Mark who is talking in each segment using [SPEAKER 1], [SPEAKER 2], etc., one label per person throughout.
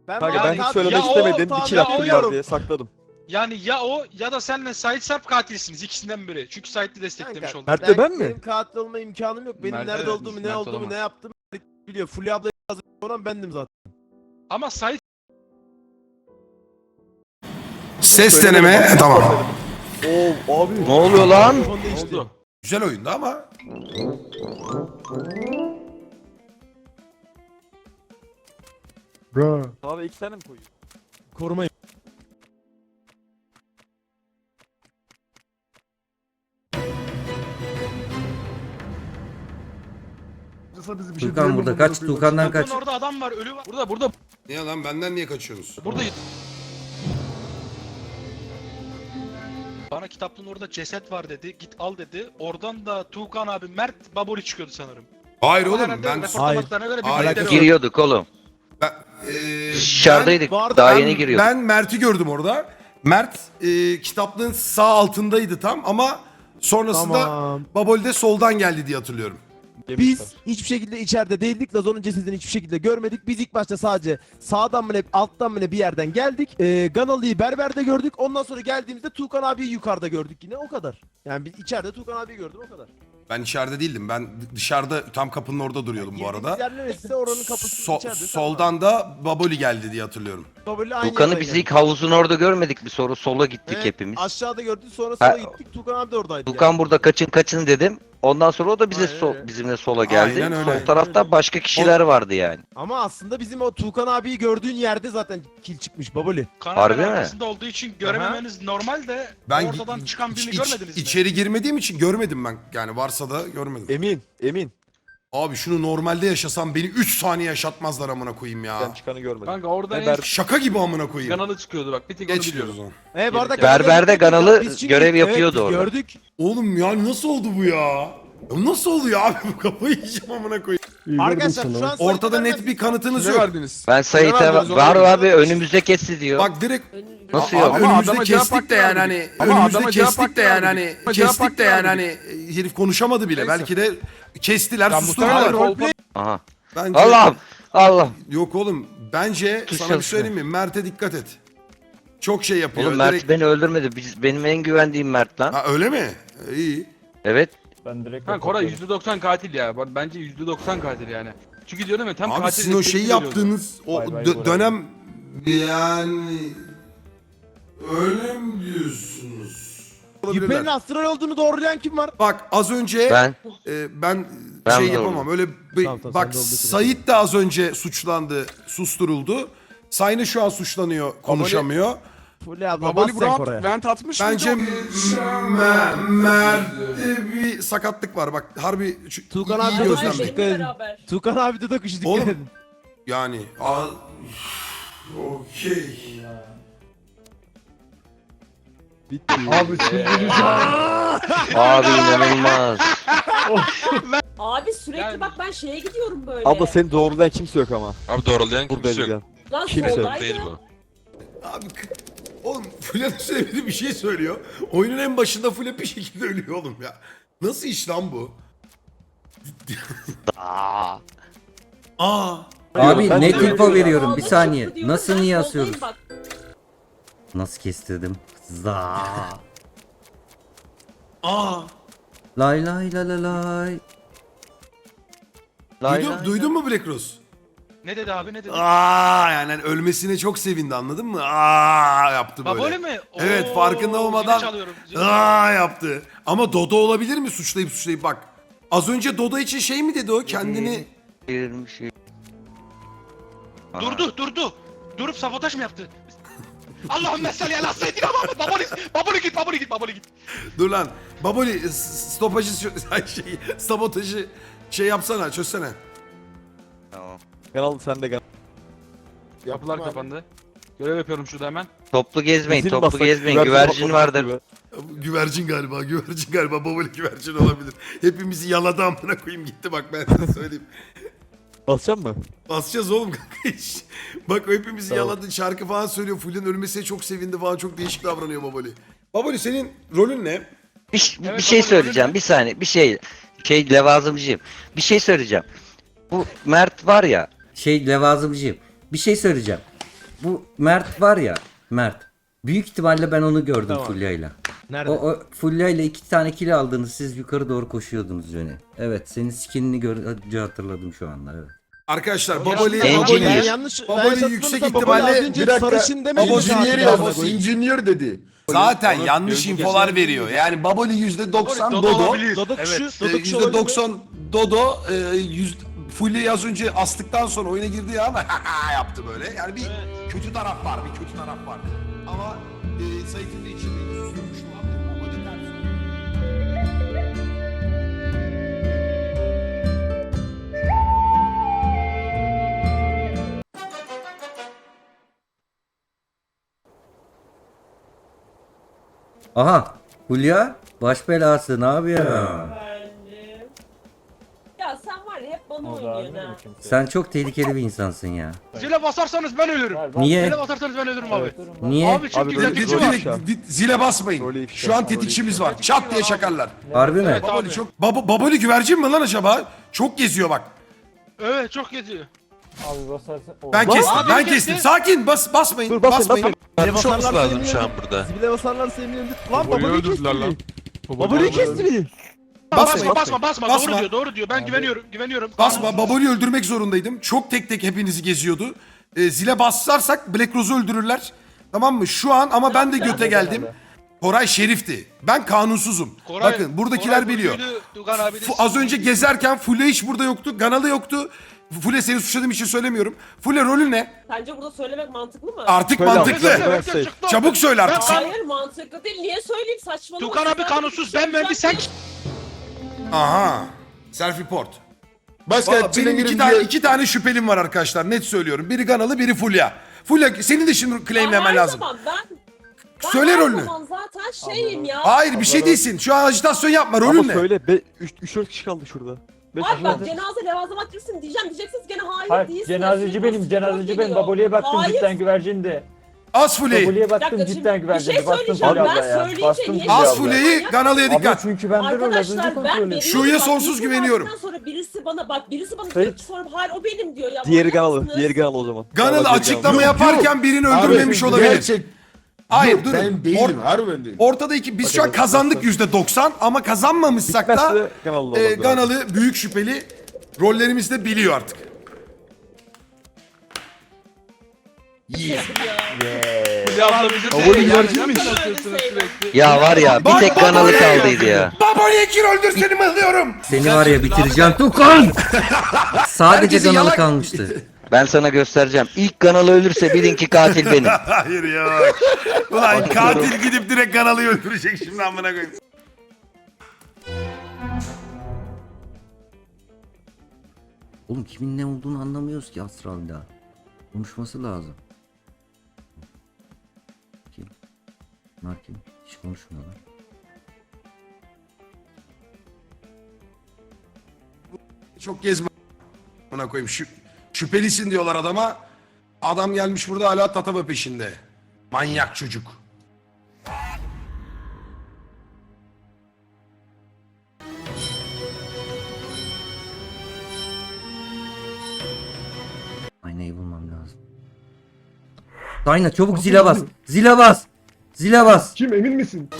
[SPEAKER 1] Kanka ben hiç
[SPEAKER 2] Yani-
[SPEAKER 1] söylemek
[SPEAKER 2] Ya o-
[SPEAKER 1] istemedim.
[SPEAKER 2] tamam,
[SPEAKER 1] Bir kill
[SPEAKER 2] ya
[SPEAKER 1] hakkım
[SPEAKER 2] o
[SPEAKER 1] var
[SPEAKER 2] yok.
[SPEAKER 1] diye sakladım.
[SPEAKER 2] Yani ya o ya da senle Sait Sarp katilsiniz ikisinden biri. Çünkü Sait'i desteklemiş oldu.
[SPEAKER 1] Mert de ben mi?
[SPEAKER 3] Benim katil olma imkanım yok. Benim
[SPEAKER 4] Mert-
[SPEAKER 3] nerede
[SPEAKER 4] evet,
[SPEAKER 3] olduğumu, ne
[SPEAKER 4] Mert
[SPEAKER 3] olduğumu,
[SPEAKER 4] olamaz.
[SPEAKER 3] ne yaptığımı biliyor. Fulya ablayı olan bendim zaten.
[SPEAKER 2] Ama Sait
[SPEAKER 5] Ses deneme. Tamam.
[SPEAKER 1] Oo abi.
[SPEAKER 6] Ne oluyor lan?
[SPEAKER 3] Telefon değişti.
[SPEAKER 4] Oldu.
[SPEAKER 5] Güzel oyundu ama.
[SPEAKER 1] Abi 2 tane mi koyuyor?
[SPEAKER 3] Korumayın.
[SPEAKER 7] Tuğkan burada kaç, Tuğkan'dan kaç.
[SPEAKER 2] orada adam var, ölü var.
[SPEAKER 4] Burada
[SPEAKER 5] Niye lan benden niye kaçıyorsunuz?
[SPEAKER 2] Burada bana kitaplığın orada ceset var dedi. Git al dedi. Oradan da Tuğkan abi, Mert, Baboli çıkıyordu sanırım.
[SPEAKER 5] Hayır
[SPEAKER 2] Ama
[SPEAKER 5] oğlum
[SPEAKER 2] herhalde
[SPEAKER 5] ben...
[SPEAKER 2] raporlamalarına göre bir
[SPEAKER 5] Hayır.
[SPEAKER 2] birileri var.
[SPEAKER 6] Giriyorduk oğlum.
[SPEAKER 5] ben
[SPEAKER 6] Dışarıdaydık.
[SPEAKER 3] bu arada
[SPEAKER 6] Daha
[SPEAKER 5] ben-
[SPEAKER 6] yeni giriyorduk.
[SPEAKER 5] Ben Mert'i gördüm orada. Mert kitaplığın sağ altındaydı tam ama sonrasında
[SPEAKER 3] Tamam.
[SPEAKER 5] Baboli de soldan geldi diye hatırlıyorum.
[SPEAKER 3] Biz hiçbir şekilde içeride değildik. Lazon'un cesedini hiçbir şekilde görmedik. Biz ilk başta sadece sağdan mı ne, alttan mı ne bir yerden geldik. Ganalı'yı berberde gördük. Ondan sonra geldiğimizde Tuğkan abiyi yukarıda gördük yine. O kadar. Yani biz içeride Tuğkan abiyi gördüm, o kadar.
[SPEAKER 5] Ben içeride değildim. Ben dışarıda tam kapının orada duruyordum bu arada.
[SPEAKER 3] Girdiğimiz yer neresi? Oranın kapısı içeride.
[SPEAKER 5] Soldan da Baboli geldi diye hatırlıyorum.
[SPEAKER 6] Tuğkan'ı biz ilk havuzun orada görmedik bir soru. Sola gittik hepimiz.
[SPEAKER 3] Aşağıda gördük, sonra
[SPEAKER 6] Ha,
[SPEAKER 3] sola gittik. Tuğkan abi de oradaydı.
[SPEAKER 6] Tuğkan burada kaçın dedim. Ondan sonra o da bize
[SPEAKER 3] Aynen öyle.
[SPEAKER 6] bizimle sola geldi.
[SPEAKER 5] Aynen öyle.
[SPEAKER 6] Sol tarafta başka kişiler vardı yani.
[SPEAKER 3] Ama aslında bizim o Tuğkan abiyi gördüğün yerde zaten kil çıkmış Baboli.
[SPEAKER 2] Kanalın
[SPEAKER 6] Harbi mi?
[SPEAKER 2] arkasında olduğu için görememeniz normal de
[SPEAKER 5] Ben
[SPEAKER 2] ortadan çıkan birini görmediniz mi?
[SPEAKER 5] içeri girmediğim için görmedim ben. Yani varsa da görmedim.
[SPEAKER 1] Emin.
[SPEAKER 5] Abi şunu normalde yaşasam beni 3 saniye yaşatmazlar amına koyayım
[SPEAKER 1] Ben
[SPEAKER 5] ya.
[SPEAKER 1] çıkanı görmedim.
[SPEAKER 4] kanka oradan
[SPEAKER 1] Haber-
[SPEAKER 4] en
[SPEAKER 5] Şaka gibi amına koyayım.
[SPEAKER 4] kanalı çıkıyordu bak. Bir tek onu
[SPEAKER 5] Geç diyoruz
[SPEAKER 4] biliyorum.
[SPEAKER 5] onu.
[SPEAKER 3] Bu arada
[SPEAKER 6] Berberde Ganalı
[SPEAKER 3] Biz çünkü-
[SPEAKER 6] görev yapıyordu
[SPEAKER 3] evet,
[SPEAKER 6] orada.
[SPEAKER 3] Gördük.
[SPEAKER 5] Oğlum ya nasıl oldu bu ya? Nasıl oluyor abi bu kafayı yiyeceğim amına koyayım.
[SPEAKER 3] Arkadaşlar şu an
[SPEAKER 5] Ortada net bir kanıtınız
[SPEAKER 4] Ne
[SPEAKER 5] yok.
[SPEAKER 4] verdiniz?
[SPEAKER 6] Ben Sait'e
[SPEAKER 4] verdiniz
[SPEAKER 6] var
[SPEAKER 4] oğlum?
[SPEAKER 6] abi önümüzde kesti diyor.
[SPEAKER 5] Bak direkt
[SPEAKER 6] Nasıl
[SPEAKER 5] abi
[SPEAKER 6] yok?
[SPEAKER 4] Ama
[SPEAKER 5] önümüzde
[SPEAKER 4] adama cevap
[SPEAKER 5] kestik
[SPEAKER 4] hakkı
[SPEAKER 5] de yani
[SPEAKER 4] vermedik.
[SPEAKER 5] hani
[SPEAKER 4] Ama
[SPEAKER 5] önümüzde
[SPEAKER 4] adama cevap
[SPEAKER 5] kestik de
[SPEAKER 4] hakkı
[SPEAKER 5] yani
[SPEAKER 4] vermedik.
[SPEAKER 5] hani
[SPEAKER 4] Ama cevap
[SPEAKER 5] kestik de
[SPEAKER 4] hakkı
[SPEAKER 5] yani
[SPEAKER 4] vermedik.
[SPEAKER 5] hani herif konuşamadı bile.
[SPEAKER 4] Neyse.
[SPEAKER 5] Belki de kestiler
[SPEAKER 4] Ya
[SPEAKER 5] susturdular.
[SPEAKER 4] Mustafa
[SPEAKER 6] Aha.
[SPEAKER 5] Bence
[SPEAKER 6] Allah.
[SPEAKER 5] yok oğlum. Bence
[SPEAKER 6] Tuş
[SPEAKER 5] sana bir
[SPEAKER 6] çalışıyor.
[SPEAKER 5] söyleyeyim mi? Mert'e dikkat et. Çok şey yapıyor.
[SPEAKER 6] Oğlum Mert
[SPEAKER 5] direkt...
[SPEAKER 6] beni öldürmedi. Benim en güvendiğim Mert lan.
[SPEAKER 5] Ha öyle mi? İyi.
[SPEAKER 6] Evet.
[SPEAKER 4] Kanka Koray %90 katil ya. Bence %90 katil yani. Çünkü diyorum ya tam
[SPEAKER 5] Abi
[SPEAKER 4] katil
[SPEAKER 5] sizin o
[SPEAKER 4] destekli
[SPEAKER 5] şeyi
[SPEAKER 4] veriyordu.
[SPEAKER 5] yaptığınız o dönem yani öyle mi diyorsunuz?
[SPEAKER 3] Yüpe'nin
[SPEAKER 5] Olabilirler.
[SPEAKER 3] astral olduğunu doğrulayan kim var?
[SPEAKER 5] Bak az önce
[SPEAKER 6] Ben
[SPEAKER 5] ben
[SPEAKER 6] Ben
[SPEAKER 5] şey
[SPEAKER 6] de
[SPEAKER 5] yapamam. Öyle
[SPEAKER 3] Tamam,
[SPEAKER 5] bak
[SPEAKER 3] sen de olduğu
[SPEAKER 5] Sait de az önce suçlandı, susturuldu. Sayın şu an suçlanıyor, konuşamıyor.
[SPEAKER 3] Fulya abla bas
[SPEAKER 4] Baboli
[SPEAKER 3] sen
[SPEAKER 4] Brown
[SPEAKER 3] Koray'a.
[SPEAKER 4] vent atmış
[SPEAKER 5] Bence
[SPEAKER 4] mıydı?
[SPEAKER 5] Mert'te bir sakatlık var. Bak harbi
[SPEAKER 3] Tuğkan
[SPEAKER 5] iyi
[SPEAKER 3] abi de
[SPEAKER 5] gözlemleyin.
[SPEAKER 3] dikkat edin. Tuğkan abi de dokuşu dikkat
[SPEAKER 5] Oğlum.
[SPEAKER 3] edin.
[SPEAKER 5] Yani okey.
[SPEAKER 6] abi inanılmaz.
[SPEAKER 8] Abi sürekli
[SPEAKER 2] Yani-
[SPEAKER 8] bak ben şeye gidiyorum böyle.
[SPEAKER 1] Abla seni doğrulayan kimse yok ama.
[SPEAKER 9] Abi doğrulayan kimse
[SPEAKER 1] Buradayız
[SPEAKER 9] yok.
[SPEAKER 1] yani.
[SPEAKER 8] Lan
[SPEAKER 1] kimse
[SPEAKER 8] soldaydı.
[SPEAKER 9] Değil bu.
[SPEAKER 5] Abi oğlum Fulya söylediği bir şey söylüyor. Oyunun en başında Fulya bir şekilde ölüyor oğlum ya. Nasıl iş lan bu?
[SPEAKER 6] Aa.
[SPEAKER 5] Aa.
[SPEAKER 7] Abi
[SPEAKER 1] Ben
[SPEAKER 7] net
[SPEAKER 1] de-
[SPEAKER 7] info veriyorum bir
[SPEAKER 8] Sağda
[SPEAKER 7] saniye.
[SPEAKER 8] çıktı diyorum,
[SPEAKER 7] Nasıl
[SPEAKER 8] ben
[SPEAKER 7] niye
[SPEAKER 8] soldayım
[SPEAKER 7] asıyoruz?
[SPEAKER 8] bak.
[SPEAKER 7] Nasıl kestirdim? Za.
[SPEAKER 5] Aa.
[SPEAKER 7] Lay lay lay lay lay.
[SPEAKER 5] Duydun mu Black Rose?
[SPEAKER 2] Ne dedi abi, ne dedi?
[SPEAKER 5] Aa yani hani ölmesine çok sevindi anladın mı? Aa yaptı böyle.
[SPEAKER 2] Baboli mi?
[SPEAKER 5] Evet, farkında
[SPEAKER 2] zili
[SPEAKER 5] olmadan-
[SPEAKER 2] çalıyorum, zili
[SPEAKER 5] Aa yaptı. Ama Dodo olabilir mi suçlayıp bak. Az önce Dodo için şey mi dedi o kendini?
[SPEAKER 6] Girmiş.
[SPEAKER 2] Durdu. Durup sabotaj mı yaptı? Allahümme salli ala seyyidina Muhammed. Baboli git.
[SPEAKER 5] Dur lan. Baboli stopajı sabotajı yapsana çözsene.
[SPEAKER 6] Tamam.
[SPEAKER 1] Kanal sende gel.
[SPEAKER 4] Kapılar kapandı. Görev yapıyorum şurada hemen.
[SPEAKER 6] Toplu gezmeyin,
[SPEAKER 1] Zil
[SPEAKER 6] toplu
[SPEAKER 1] bassak,
[SPEAKER 6] gezmeyin. Güvercin
[SPEAKER 1] patlamak
[SPEAKER 6] vardır.
[SPEAKER 1] gibi.
[SPEAKER 5] Güvercin galiba. Baboli güvercin olabilir. Hepimizi yaladı amına koyayım gitti bak ben size söyleyeyim.
[SPEAKER 1] Basacak mı?
[SPEAKER 5] Basacağız oğlum kanka iş. Bak o hepimizi
[SPEAKER 1] Tamam.
[SPEAKER 5] yaladı şarkı falan söylüyor. Fulya'nın ölmesine çok sevindi falan çok değişik davranıyor Baboli. Baboli senin rolün ne?
[SPEAKER 6] Bir
[SPEAKER 2] Evet,
[SPEAKER 6] şey
[SPEAKER 2] Baboli
[SPEAKER 6] söyleyeceğim.
[SPEAKER 2] öyle.
[SPEAKER 6] Bir saniye. Bir şey levazımcıyım. Bir şey söyleyeceğim. Bu Mert var ya.
[SPEAKER 7] Levazımcıyım. Bir şey söyleyeceğim. Bu Mert var ya. Mert. Büyük ihtimalle ben onu gördüm
[SPEAKER 3] Tamam.
[SPEAKER 7] Fulya'yla.
[SPEAKER 3] Nerede?
[SPEAKER 7] O Fulya'yla 2 tane kill aldınız. Siz yukarı doğru koşuyordunuz Johnny. Evet, senin skinini görünce hatırladım şu anda. Evet.
[SPEAKER 5] Arkadaşlar
[SPEAKER 2] Baboli-
[SPEAKER 5] Baboli
[SPEAKER 6] Engineer.
[SPEAKER 3] Ben yanlış.
[SPEAKER 5] Baboli
[SPEAKER 3] ben yanlış
[SPEAKER 5] yüksek
[SPEAKER 3] hatırlamıyorsam Baboli az
[SPEAKER 5] ihtimalle-
[SPEAKER 3] önce
[SPEAKER 9] Bir dakika,
[SPEAKER 3] sarışın demedi mi?
[SPEAKER 9] Engineer
[SPEAKER 3] zaten?
[SPEAKER 9] yazdı. Engineer dedi.
[SPEAKER 5] zaten
[SPEAKER 1] Onu
[SPEAKER 5] yanlış
[SPEAKER 1] gözü
[SPEAKER 5] infolar
[SPEAKER 1] geçen-
[SPEAKER 5] veriyor. Yani
[SPEAKER 9] Baboli %90
[SPEAKER 2] Dodo
[SPEAKER 9] Dodo.
[SPEAKER 2] olabilir.
[SPEAKER 3] Dodo
[SPEAKER 2] Evet.
[SPEAKER 3] kuşu. Dodo kuşu olabilir mi?
[SPEAKER 5] %90 Dodo. Fulya az önce astıktan sonra oyuna girdi ya ama yaptı böyle. Yani bir kötü taraf var. Bir kötü taraf var. Ama Sait'in de içinde susuyormuş falan. Baboli ters.
[SPEAKER 7] Aha. Fulya. Baş belası. Ne yapıyor?
[SPEAKER 8] Efendim. Ya sen var ya hep bana oynuyorsun ha.
[SPEAKER 7] Sen çok tehlikeli bir insansın ya.
[SPEAKER 2] Zile basarsanız ben ölürüm.
[SPEAKER 7] Niye?
[SPEAKER 2] Zile basarsanız ben ölürüm abi.
[SPEAKER 7] Niye?
[SPEAKER 2] Abi çünkü
[SPEAKER 1] Abi böyle
[SPEAKER 2] tetikçi
[SPEAKER 1] bir-
[SPEAKER 2] var.
[SPEAKER 5] Zile basmayın.
[SPEAKER 1] Rolü ifşa,
[SPEAKER 5] Şu an
[SPEAKER 1] rolü
[SPEAKER 5] tetikçimiz
[SPEAKER 1] ifşa.
[SPEAKER 5] var. Çat diye şakarlar.
[SPEAKER 7] Harbi mi?
[SPEAKER 2] Evet.
[SPEAKER 5] Baboli
[SPEAKER 2] Abi.
[SPEAKER 5] çok... Baboli güvercin mi lan acaba? Çok geziyor bak.
[SPEAKER 2] Evet çok geziyor.
[SPEAKER 5] Ben kestim.
[SPEAKER 2] Abi
[SPEAKER 5] Ben
[SPEAKER 2] kesti.
[SPEAKER 5] kestim. Sakin. Basmayın.
[SPEAKER 1] Dur, basmayın,
[SPEAKER 5] basmayın.
[SPEAKER 3] Zibile basarlarsa lazım şu an burada. Zibile basarlarsa eminim. Lan Baboli kesti beni. Baboli kesti beni.
[SPEAKER 2] Basma basma basma.
[SPEAKER 5] Basma.
[SPEAKER 2] Doğru diyor doğru diyor. Ben güveniyorum.
[SPEAKER 5] Basma. Baboli öldürmek zorundaydım. Çok tek tek hepinizi geziyordu. Zile bassarsak Black Rose'u öldürürler. Tamam mı? Şu an ama ben de göte geldim. Koray şerifti. Ben kanunsuzum. Bakın buradakiler
[SPEAKER 2] Koray
[SPEAKER 5] biliyor.
[SPEAKER 2] Burcu'ydu, Tugan abi de
[SPEAKER 5] Az önce gezerken Fulya hiç burada yoktu. Ganalı yoktu. Fulya seni suçladığım için söylemiyorum. Fulya rolü ne?
[SPEAKER 8] Sence burada söylemek mantıklı mı?
[SPEAKER 5] Artık
[SPEAKER 1] Söyle abi,
[SPEAKER 5] mantıklı.
[SPEAKER 1] söyle.
[SPEAKER 2] Evet, evet, çıktı.
[SPEAKER 5] Çabuk söyle artık.
[SPEAKER 8] Hayır mantıklı değil. Niye söyleyeyim saçmalama.
[SPEAKER 2] Tugan abi kanunsuz ben mühendis sen
[SPEAKER 5] Aha. Self report.
[SPEAKER 9] Başka
[SPEAKER 5] Valla benim
[SPEAKER 9] çilenin
[SPEAKER 5] iki tane şüphelim var arkadaşlar. Net söylüyorum. Biri Ganalı, biri Fulya. Fulya senin de şimdi claimlemen lazım.
[SPEAKER 8] Ben
[SPEAKER 5] Söyle
[SPEAKER 8] her
[SPEAKER 5] rolünü.
[SPEAKER 8] zaman zaten şeyim ya.
[SPEAKER 5] Hayır bir şey değilsin. Şu an ajitasyon yapma. Rolün
[SPEAKER 1] Ama
[SPEAKER 5] ne?
[SPEAKER 1] söyle 3-4 kişi kaldı şurada. 5
[SPEAKER 8] Abi
[SPEAKER 1] kişi
[SPEAKER 8] bak
[SPEAKER 1] kaldı.
[SPEAKER 8] cenaze levazımat girsin diyeceğim. Diyeceksiniz gene hayır,
[SPEAKER 10] Hayır,
[SPEAKER 8] değilsin.
[SPEAKER 10] cenazeci benim, cenazeci benim. Baboli'ye baktım
[SPEAKER 8] Hayır.
[SPEAKER 10] cidden güvercindi.
[SPEAKER 5] Az Fulya'yı.
[SPEAKER 10] Baboli'ye
[SPEAKER 8] Bir
[SPEAKER 10] baktım
[SPEAKER 8] dakika, şimdi
[SPEAKER 10] cidden
[SPEAKER 8] bir
[SPEAKER 10] güvercindi.
[SPEAKER 8] şey
[SPEAKER 10] Bastım
[SPEAKER 8] söyleyeceğim.
[SPEAKER 10] Fulya
[SPEAKER 8] Ben
[SPEAKER 10] abla ya.
[SPEAKER 8] söyleyince
[SPEAKER 10] Bastım
[SPEAKER 8] niye-
[SPEAKER 10] Fulya
[SPEAKER 5] Az
[SPEAKER 10] abla.
[SPEAKER 5] Fulya'yı Ganalı'ya
[SPEAKER 10] Abla
[SPEAKER 5] dikkat.
[SPEAKER 10] çünkü ben de rol az önce
[SPEAKER 8] Arkadaşlar
[SPEAKER 10] kontrol
[SPEAKER 8] ben
[SPEAKER 10] ediyorum.
[SPEAKER 5] Şu'ya sonsuz güveniyorum.
[SPEAKER 8] Sonra birisi bana birisi bana
[SPEAKER 10] Hayır.
[SPEAKER 8] diyor ki sonra hayır o benim diyor ya.
[SPEAKER 1] Diğeri
[SPEAKER 8] manyak
[SPEAKER 1] Ganalı.
[SPEAKER 8] mısınız?
[SPEAKER 1] Diğeri Ganalı o zaman.
[SPEAKER 5] Ganalı
[SPEAKER 1] Ganalı,
[SPEAKER 5] açıklama
[SPEAKER 1] Ganalı.
[SPEAKER 5] yaparken birini öldürmemiş olabilir.
[SPEAKER 9] Gerçek.
[SPEAKER 5] Hayır
[SPEAKER 9] Yok,
[SPEAKER 5] durun.
[SPEAKER 9] ben değilim. Harbi ben değilim.
[SPEAKER 5] Ortada biz şu an kazandık %90 ama kazanmamışsak da
[SPEAKER 1] Bitmezse Ganalı olmaz.
[SPEAKER 5] Ganalı büyük şüpheli. Rollerimizi de biliyor artık. Yeah.
[SPEAKER 2] Fulya abla bizim
[SPEAKER 1] Baboli
[SPEAKER 2] de
[SPEAKER 1] güvercin
[SPEAKER 2] yani
[SPEAKER 1] mi?
[SPEAKER 2] yapıyorsunuz sürekli.
[SPEAKER 6] Ya var ya bir
[SPEAKER 5] Bak,
[SPEAKER 6] tek
[SPEAKER 5] bak,
[SPEAKER 6] kanalı
[SPEAKER 5] bak.
[SPEAKER 6] kaldıydı ya.
[SPEAKER 5] Baboli'ye kim öldürseni mıhlıyorum.
[SPEAKER 7] Seni var ya bitireceğim Tukan. Sadece
[SPEAKER 5] Herkesi
[SPEAKER 7] kanalı
[SPEAKER 5] yalak-
[SPEAKER 7] kalmıştı.
[SPEAKER 6] Ben sana göstereceğim. İlk kanalı ölürse bilin ki katil benim.
[SPEAKER 5] Hayır ya. Ulan katil gidip direkt Ganalı'yı öldürecek şimdi amına koyayım.
[SPEAKER 7] Oğlum kimin ne olduğunu anlamıyoruz ki Astral'da. Konuşması lazım. Kim? Bunlar kim? Hiç konuşmuyorlar.
[SPEAKER 5] Çok gezme amına koyayım. Şüphelisin diyorlar adama. Adam gelmiş burada hala tatava peşinde. Manyak çocuk.
[SPEAKER 7] Aynayı bulmam lazım. Ayna çabuk zile bas. Zile bas. Zile bas.
[SPEAKER 9] Kim emin misin?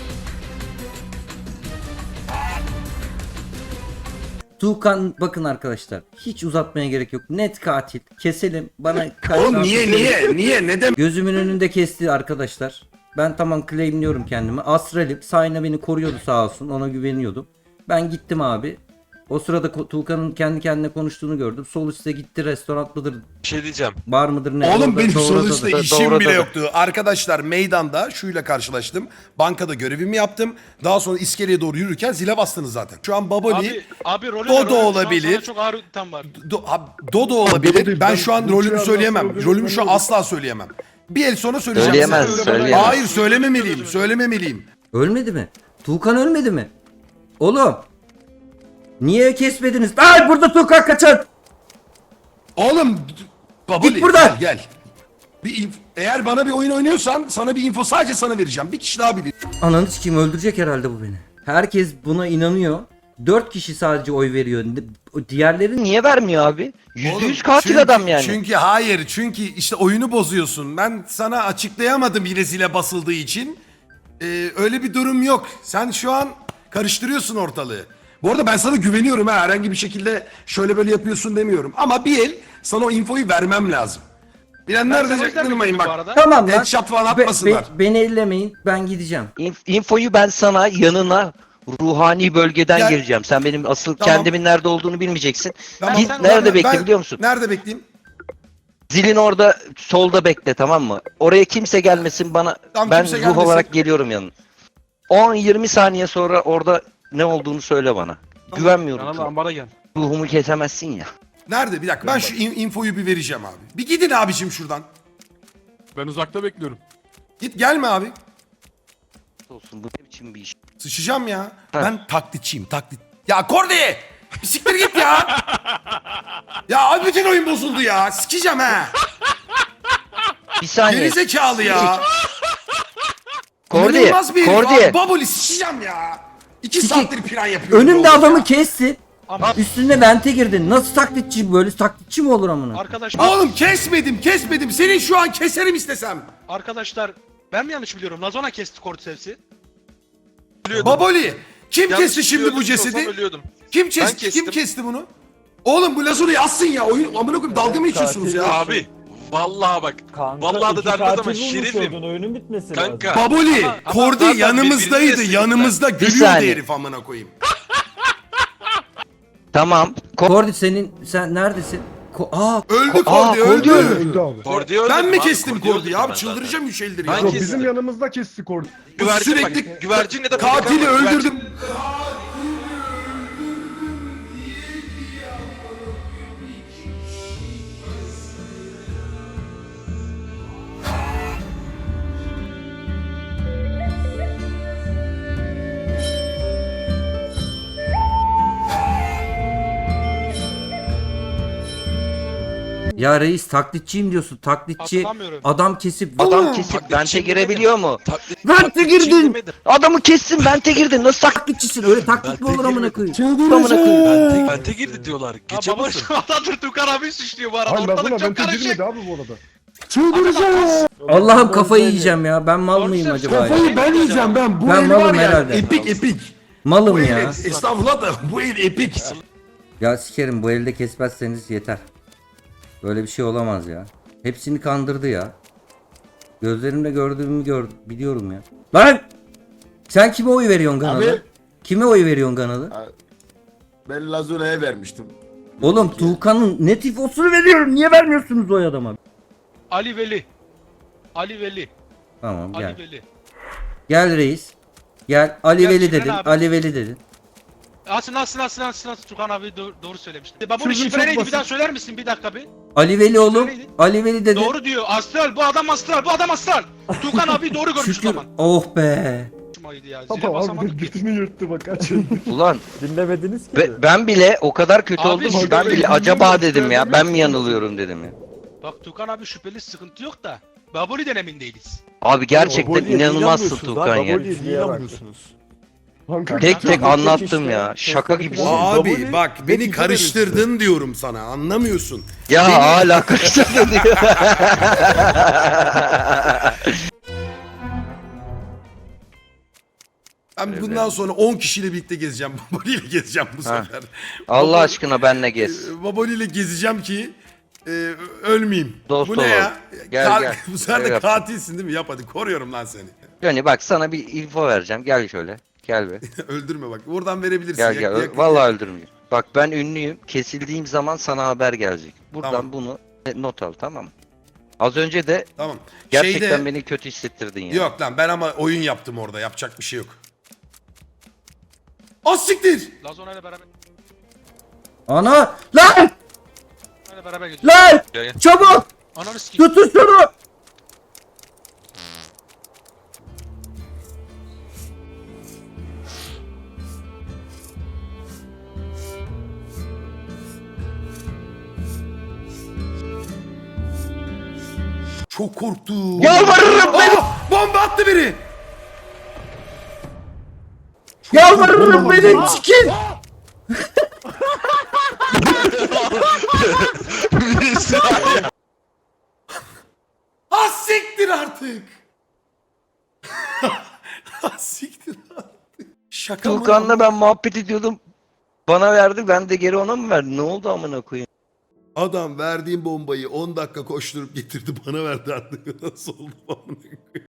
[SPEAKER 7] Tuğkan bakın arkadaşlar. Hiç uzatmaya gerek yok. Net katil. Keselim. Bana
[SPEAKER 5] Oğlum niye neden?
[SPEAKER 7] Gözümün önünde kesti arkadaşlar. Ben tamam claimliyorum kendimi. Astral'im. Sayna beni koruyordu sağ olsun. Ona güveniyordum. Ben gittim abi. O sırada Tuğkan'ın kendi kendine konuştuğunu gördüm. Sol üstte gitti, restoran mıdır,
[SPEAKER 11] Bir şey diyeceğim.
[SPEAKER 7] bar mıdır ne?
[SPEAKER 5] Oğlum
[SPEAKER 7] Orada
[SPEAKER 5] benim
[SPEAKER 7] doğradı da.
[SPEAKER 5] sonuçta işim
[SPEAKER 6] Doğru
[SPEAKER 5] bile
[SPEAKER 6] da.
[SPEAKER 5] yoktu. Arkadaşlar meydanda şuyla karşılaştım. Bankada görevimi yaptım. Daha sonra iskeleye doğru yürürken zile bastınız zaten. Şu an Baboli,
[SPEAKER 2] Abi rolü
[SPEAKER 5] Dodo
[SPEAKER 2] ne? Rolü şu an
[SPEAKER 5] olabilir.
[SPEAKER 2] sana çok ağır itham var.
[SPEAKER 5] Dodo olabilir.
[SPEAKER 9] Dodo,
[SPEAKER 5] Ben
[SPEAKER 9] ben
[SPEAKER 5] şu an
[SPEAKER 9] bu
[SPEAKER 5] rolümü
[SPEAKER 9] çağda
[SPEAKER 5] söyleyemem.
[SPEAKER 9] sonra
[SPEAKER 5] Rolümü şu an
[SPEAKER 9] benim-
[SPEAKER 5] asla söyleyemem. Bir el sonra söyleyeceğim.
[SPEAKER 6] Söyleyemez,
[SPEAKER 5] size.
[SPEAKER 6] söyleyemez.
[SPEAKER 5] Hayır söylememeliyim. Söylememeliyim.
[SPEAKER 7] Ölmedi mi? Tuğkan ölmedi mi? Oğlum. Niye kesmediniz? Ay burada Tuğkan kaçar.
[SPEAKER 5] Oğlum Baboli
[SPEAKER 7] Git buradan.
[SPEAKER 5] gel. Eğer bana bir oyun oynuyorsan sana bir info sadece sana vereceğim. Bir kişi daha bilir.
[SPEAKER 7] Ananı sikeyim öldürecek herhalde bu beni. Herkes buna inanıyor. 4 kişi sadece oy veriyor. Diğerleri
[SPEAKER 6] Niye vermiyor abi?
[SPEAKER 5] Oğlum,
[SPEAKER 6] %100 katil
[SPEAKER 5] çünkü-
[SPEAKER 6] adam yani.
[SPEAKER 5] Çünkü hayır. Çünkü işte oyunu bozuyorsun. Ben sana açıklayamadım yine zile basıldığı için. Öyle bir durum yok. Sen şu an karıştırıyorsun ortalığı. Bu arada ben sana güveniyorum ha. Herhangi bir şekilde şöyle böyle yapıyorsun demiyorum. Ama bir el sana o infoyu vermem lazım. Bilenler
[SPEAKER 2] Ben
[SPEAKER 5] de
[SPEAKER 2] sana o yüzden
[SPEAKER 5] çaktırmayın
[SPEAKER 2] bildim bu
[SPEAKER 5] bak.
[SPEAKER 2] arada.
[SPEAKER 7] Tamam lan.
[SPEAKER 5] Headshot falan atmasınlar.
[SPEAKER 7] Beni ellemeyin. Ben gideceğim.
[SPEAKER 6] Infoyu ben sana yanına ruhani bölgeden
[SPEAKER 5] Gel.
[SPEAKER 6] geleceğim. Sen benim asıl
[SPEAKER 5] Tamam.
[SPEAKER 6] kendimin nerede olduğunu bilmeyeceksin.
[SPEAKER 5] Tamam,
[SPEAKER 6] Git
[SPEAKER 2] sen-
[SPEAKER 6] nerede
[SPEAKER 5] ben-
[SPEAKER 6] bekle biliyor musun?
[SPEAKER 5] Nerede bekleyeyim?
[SPEAKER 6] Zilin orada solda bekle, tamam mı? Oraya kimse gelmesin bana.
[SPEAKER 5] Tamam,
[SPEAKER 6] Ben
[SPEAKER 5] kimse
[SPEAKER 6] ruh
[SPEAKER 5] gelmesin.
[SPEAKER 6] olarak geliyorum yanına. 10-20 saniye sonra orada ne olduğunu söyle bana. Güvenmiyorum.
[SPEAKER 4] Yanına
[SPEAKER 6] sana.
[SPEAKER 4] ambara gel.
[SPEAKER 6] Ruhumu kesemezsin ya.
[SPEAKER 5] Nerede? Bir dakika ben şu infoyu bir vereceğim abi. Bir gidin abicim şuradan.
[SPEAKER 9] Ben uzakta bekliyorum.
[SPEAKER 5] Git gelme abi.
[SPEAKER 6] Olsun, bu ne biçim bir iş?
[SPEAKER 5] Sıçacağım ya.
[SPEAKER 6] Ha.
[SPEAKER 5] Ben taklitçiyim taklit. Ya Kordi! Bir siktir git ya. Ya abi bütün oyun bozuldu ya. Sikeceğim ha.
[SPEAKER 6] Bir saniye.
[SPEAKER 5] Geri zekalı ya.
[SPEAKER 6] Kordi,
[SPEAKER 5] İnanılmaz bir herif
[SPEAKER 6] Kordi.
[SPEAKER 5] abi. Baboli sikeceğim ya. 2
[SPEAKER 7] Sikik.
[SPEAKER 5] saattir plan yapıyorum.
[SPEAKER 7] Önümde
[SPEAKER 5] ya.
[SPEAKER 7] adamı kessin.
[SPEAKER 2] Ama
[SPEAKER 7] Üstüne vente girdin. Nasıl taklitçi böyle taklitçi mi olur amına?
[SPEAKER 2] arkadaşlar,
[SPEAKER 5] Oğlum kesmedim. Senin şu an keserim istesem.
[SPEAKER 2] arkadaşlar ben mi yanlış biliyorum? Lazona kesti Cortez'i.
[SPEAKER 5] Baboli. Kim kesti şimdi bu cesedi?
[SPEAKER 9] Ölüyordum.
[SPEAKER 5] Kim kesti bunu? Oğlum bu Lazura'yı yazsın ya. Oyun amına koyayım dalga mı geçiyorsunuz ya?
[SPEAKER 9] Abi. Vallahi bak.
[SPEAKER 10] Kanka,
[SPEAKER 9] Vallahi da
[SPEAKER 10] iki
[SPEAKER 9] denmez ama
[SPEAKER 10] katil bulmuş
[SPEAKER 9] şerifim.
[SPEAKER 10] oldun, oyunun bitmesi
[SPEAKER 9] Kanka.
[SPEAKER 10] lazım.
[SPEAKER 5] Baboli,
[SPEAKER 9] Ama
[SPEAKER 5] Kordi
[SPEAKER 9] zaten
[SPEAKER 5] yanımızdaydı.
[SPEAKER 9] birbirini
[SPEAKER 5] Yanımızda gülüyordu
[SPEAKER 6] saniye.
[SPEAKER 5] herif amına koyayım.
[SPEAKER 6] Tamam.
[SPEAKER 7] Kordi sen neredesin?
[SPEAKER 5] Öldü
[SPEAKER 6] Aa,
[SPEAKER 5] Kordi
[SPEAKER 6] Kordi
[SPEAKER 5] öldü.
[SPEAKER 9] Kordi'yi öldürdüm
[SPEAKER 5] Ben mi
[SPEAKER 9] abi,
[SPEAKER 5] kestim
[SPEAKER 9] Kordi'yi
[SPEAKER 5] Kordi'yi
[SPEAKER 9] öldürdüm
[SPEAKER 5] abi?
[SPEAKER 9] ben
[SPEAKER 5] Çıldıracağım 3 eldir
[SPEAKER 9] Ben
[SPEAKER 5] ya.
[SPEAKER 9] kestim. Bizim
[SPEAKER 11] yanımızda kesti Kordi.
[SPEAKER 9] Güvercin
[SPEAKER 5] Sürekli
[SPEAKER 9] bak, güvercinle de
[SPEAKER 5] katili
[SPEAKER 9] beraber-
[SPEAKER 5] öldürdüm.
[SPEAKER 7] Ya reis taklitçiyim diyorsun. Taklitçi
[SPEAKER 2] Hatırlamıyorum.
[SPEAKER 7] adam kesip
[SPEAKER 6] Adam kesip
[SPEAKER 9] Taklitçi
[SPEAKER 6] vente
[SPEAKER 9] mi
[SPEAKER 6] girebiliyor mu?
[SPEAKER 7] Vente girdin.
[SPEAKER 6] Adamı kessin, vente girdin. Nasıl
[SPEAKER 7] Taklitçisin. Öyle taklit mi olur amına koyayım?
[SPEAKER 6] amına koyayım?
[SPEAKER 9] Bente girdi diyorlar.
[SPEAKER 2] Ha,
[SPEAKER 9] Geçe
[SPEAKER 2] baba
[SPEAKER 9] basın.
[SPEAKER 2] şu adamdır Tukan abi suçluyor bu arada.
[SPEAKER 11] Hayır
[SPEAKER 2] Ortalık
[SPEAKER 11] Lazona
[SPEAKER 2] çok
[SPEAKER 11] vente
[SPEAKER 2] karışık.
[SPEAKER 11] girmedi abi bu arada.
[SPEAKER 7] Allah'ım kafayı yiyeceğim ya. Ben mal
[SPEAKER 2] Doğru
[SPEAKER 7] mıyım
[SPEAKER 2] söylüyorsun.
[SPEAKER 7] acaba ya?
[SPEAKER 5] Kafayı ben yiyeceğim ben. Bu
[SPEAKER 7] Ben
[SPEAKER 5] el
[SPEAKER 7] malım
[SPEAKER 5] var ya
[SPEAKER 7] herhalde.
[SPEAKER 5] epik. Bu
[SPEAKER 7] Malım
[SPEAKER 5] el
[SPEAKER 7] ya.
[SPEAKER 5] estağfurullah da bu el epik.
[SPEAKER 7] Ya sikerim bu elde kesmezseniz yeter. Böyle bir şey olamaz ya. Hepsini kandırdı ya. Gözlerimle gördüğümü biliyorum ya. Lan! Sen kime oy veriyorsun Ganalı?
[SPEAKER 9] Abi.
[SPEAKER 7] Kime oy veriyorsun Ganalı?
[SPEAKER 9] Ben Lazuna'ya vermiştim.
[SPEAKER 7] Oğlum Tuğkan'ın ne tifosunu veriyorum. Niye vermiyorsunuz oy adama?
[SPEAKER 2] Ali Veli. Ali Veli.
[SPEAKER 7] Tamam gel.
[SPEAKER 2] Ali Veli.
[SPEAKER 7] Gel reis. Gel. Ali
[SPEAKER 2] Gel
[SPEAKER 7] Veli
[SPEAKER 2] Şükran
[SPEAKER 7] dedin.
[SPEAKER 2] abi.
[SPEAKER 7] Ali Veli dedin.
[SPEAKER 2] Asın Tukan abi doğru söylemişti. Baboli
[SPEAKER 11] Sözün
[SPEAKER 2] şifre
[SPEAKER 11] çok
[SPEAKER 2] neydi bir
[SPEAKER 11] basit.
[SPEAKER 2] daha söyler misin bir dakika bir?
[SPEAKER 7] Ali Veli oğlum.
[SPEAKER 2] Neydi?
[SPEAKER 7] Ali Veli dedin.
[SPEAKER 2] Doğru diyor. Astral bu adam astral. Tukan abi doğru görmüş o
[SPEAKER 7] Şükür.
[SPEAKER 2] zaman.
[SPEAKER 7] Oh be.
[SPEAKER 2] Hoşumaydı ya. Zile
[SPEAKER 11] Baba
[SPEAKER 2] basamadık
[SPEAKER 11] abi
[SPEAKER 2] ki.
[SPEAKER 11] götünü yırttı bak aç.
[SPEAKER 6] Ulan
[SPEAKER 10] Dinlemediniz ki.
[SPEAKER 6] ben bile o kadar kötü
[SPEAKER 2] Abi,
[SPEAKER 6] oldum ki
[SPEAKER 2] bak,
[SPEAKER 6] ben
[SPEAKER 2] ben
[SPEAKER 6] bile acaba dedim ya. Ben mi yanılıyorum dedim ya.
[SPEAKER 2] Bak Tukan abi şüpheli sıkıntı yok da. Baboli'den emin değiliz.
[SPEAKER 6] Abi gerçekten
[SPEAKER 1] Baboli'ye niye
[SPEAKER 6] inanılmazsın
[SPEAKER 1] inanmıyorsunuz
[SPEAKER 6] Tukan
[SPEAKER 1] lan?
[SPEAKER 6] ya.
[SPEAKER 1] Baboli'ye niye inanmıyorsunuz?
[SPEAKER 6] Tek tek anlattım ya. Şaka gibisin.
[SPEAKER 5] Abi
[SPEAKER 1] Baboli
[SPEAKER 5] bak beni
[SPEAKER 1] netice
[SPEAKER 5] karıştırdın diyorum sana anlamıyorsun.
[SPEAKER 6] Ya hala karıştırdın diyor.
[SPEAKER 5] Ben bundan sonra 10 kişiyle birlikte gezeceğim. Baboli ile gezeceğim bu
[SPEAKER 6] Ha.
[SPEAKER 5] sefer.
[SPEAKER 6] Allah aşkına benle gez.
[SPEAKER 5] Baboli ile gezeceğim ki ölmeyeyim.
[SPEAKER 6] Dost
[SPEAKER 5] bu ne
[SPEAKER 6] olalım.
[SPEAKER 5] ya?
[SPEAKER 6] Gel, gel.
[SPEAKER 5] Bu sefer
[SPEAKER 6] Öyle
[SPEAKER 5] de
[SPEAKER 6] yap.
[SPEAKER 5] katilsin değil mi? Yap hadi koruyorum lan seni.
[SPEAKER 6] Yani bak sana bir info vereceğim. Gel şöyle. Gel be.
[SPEAKER 5] Öldürme bak. Oradan verebilirsin.
[SPEAKER 6] Gel gel. Vallahi öldürmeyeyim. Bak ben ünlüyüm. Kesildiğim zaman sana haber gelecek. Buradan
[SPEAKER 5] Tamam.
[SPEAKER 6] bunu not al, tamam mı? Az önce de
[SPEAKER 5] Tamam.
[SPEAKER 6] gerçekten beni kötü hissettirdin ya.
[SPEAKER 5] Yok lan ben ama oyun yaptım orada. Yapacak bir şey yok. Az siktir.
[SPEAKER 2] Lazona ile beraber
[SPEAKER 7] Ana! Lan!
[SPEAKER 2] gidiyor.
[SPEAKER 7] Lan!
[SPEAKER 9] Gel, gel.
[SPEAKER 7] Çabuk!
[SPEAKER 2] Ananı sikeyim.
[SPEAKER 7] Tutun şunu!
[SPEAKER 5] Çok korktum.
[SPEAKER 6] Yalvarırım beni.
[SPEAKER 5] Bomba attı biri.
[SPEAKER 7] Yalvarırım beni sikin!
[SPEAKER 9] Bir saniye.
[SPEAKER 5] Ha siktir artık. Ha siktir artık. Şaka mı?
[SPEAKER 6] Tuğkan'la ben muhabbet ediyordum. Bana verdi, ben de geri ona mı verdim? Ne oldu amına koyayım?
[SPEAKER 5] Adam verdiğim bombayı 10 dakika koşturup getirdi bana verdi artık. Nasıl oldu amına koyayım?